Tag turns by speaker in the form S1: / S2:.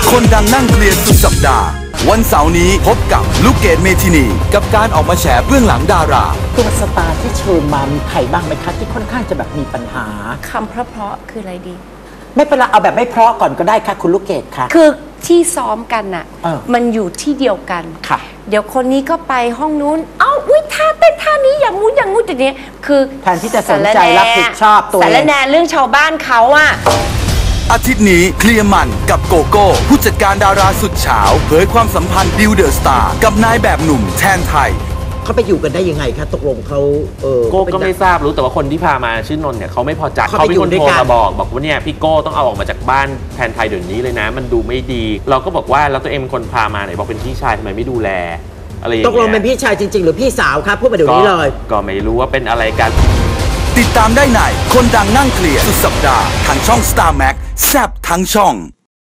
S1: คนดังนั่งเคลียร์สุดสัปดาห์วันเสาร์นี้พบกับลูกเกดเมทินีกับการออกมาแฉเบื้องหลังดารา
S2: ตัวสตาร์ที่เชิญมามีใครบ้างไหมคะที่ค่อนข้างจะแบบมีปัญหา
S3: คำเพราะๆคืออะไรดี
S2: ไม่เป็นไรเอาแบบไม่เพราะก่อนก็ได้ค่ะคุณลูกเกดค่ะ
S3: คือที่ซ้อมกันน่ะมันอยู่ที่เดียวกัน
S2: ค่ะ
S3: เดี๋ยวคนนี้ก็ไปห้องนู้นอุ้ยท่าเต้นท่านี้อย่างงู้นอย่างงู้นแต่เนี้ยคือ
S2: แทนที่จะสนใจรับผิดชอบตัวเอง
S3: สารแนเรื่องชาวบ้านเขาอะ
S1: อาทิตย์นี้เคลียร์มันกับโกโก้ผู้จัดการดาราสุดเฉาเผยความสัมพันธ์บิวเดอร์สตาร์กับนายแบบหนุ่มแทนไทย
S2: เขาไปอยู่กันได้ยังไงคะตกลงเขา
S4: โก้ก็ไม่ทราบรู้แต่ว่าคนที่พามาชื่อนนท์เนี่ยเขาไม่พอใจเขาเป็นคนโทรมาบอกว่าเนี่ยพี่โก้ต้องเอาออกมาจากบ้านแทนไทยเดี๋ยวนี้เลยนะมันดูไม่ดีเราก็บอกว่าแล้วตัวเองเป็นคนพามาไหนบอกเป็นพี่ชายทำไมไม่ดูแลอะไรอย่างเงี้ย
S2: ตกลงเป็นพี่ชายจริงๆหรือพี่สาวครับพูดมาเดี๋ยวนี้เลย
S4: ก็ไม่รู้ว่าเป็นอะไรกัน
S1: ติดตามได้ในคนดังนั่งเคลียร์สุดสัปดาห์ทางช่อง Star Max แซ่บทั้งช่อง